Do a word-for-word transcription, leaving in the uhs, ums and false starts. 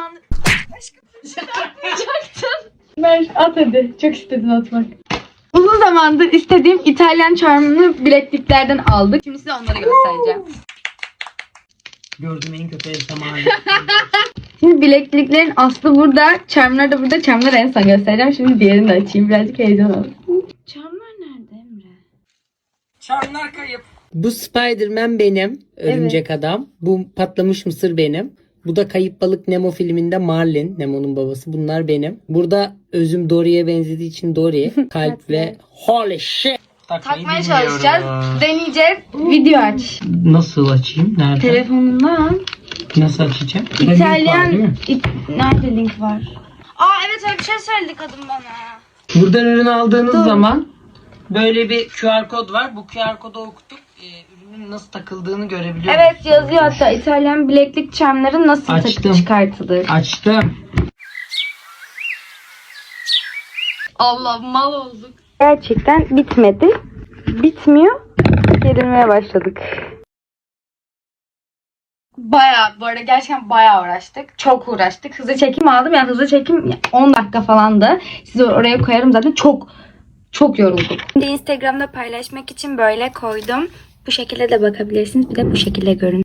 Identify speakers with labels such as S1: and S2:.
S1: zamandır... Aşkım yapacaktım. Ver at hadi. Çok istedin atmak. Uzun zamandır istediğim İtalyan charmını bilekliklerden aldık. Şimdi size onları göstereceğim.
S2: Gördüm en kötü el zamanı.
S1: Şimdi bilekliklerin aslı burada. Charmlar da burada. Charmları en son göstereceğim. Şimdi diğerini de açayım. Birazcık heyecan olsun. Charmlar nerede Emre?
S2: Charmlar kayıp. Bu Spider-Man benim. Örümcek adam. Bu patlamış mısır benim. Bu da Kayıp Balık Nemo filminde Marlin. Nemo'nun babası. Bunlar benim. Burada özüm Dory'e benzediği için Dory. Kalp ve holy shit.
S1: Takmaya çalışacağız. Deneyeceğiz. Video aç.
S2: Nasıl açayım? Nerede?
S1: Telefonundan.
S2: Nasıl açacağım?
S1: İtalyan...
S2: Link var,
S1: İ- Nerede link var? Aa evet öyle bir şey söyledi kadın bana.
S2: Buradan ürün aldığınız
S1: Dur.
S2: zaman böyle bir Q R kod var. Bu Q R kodu okutup e, ürünün nasıl takıldığını görebiliyorsunuz.
S1: Evet yazıyor hatta İtalyan bileklik charmları nasıl
S2: Açtım.
S1: çıkartılır.
S2: Açtım.
S1: Allah mal olduk. Gerçekten bitmedi. Bitmiyor. Gerilmeye başladık. Bayağı bu arada gerçekten bayağı uğraştık. Çok uğraştık. Hızlı çekim aldım. Yani hızlı çekim on dakika falandı. Sizi oraya koyarım zaten. Çok çok yorulduk. Şimdi Instagram'da paylaşmak için böyle koydum. Bu şekilde de bakabilirsiniz. Bir de bu şekilde görün.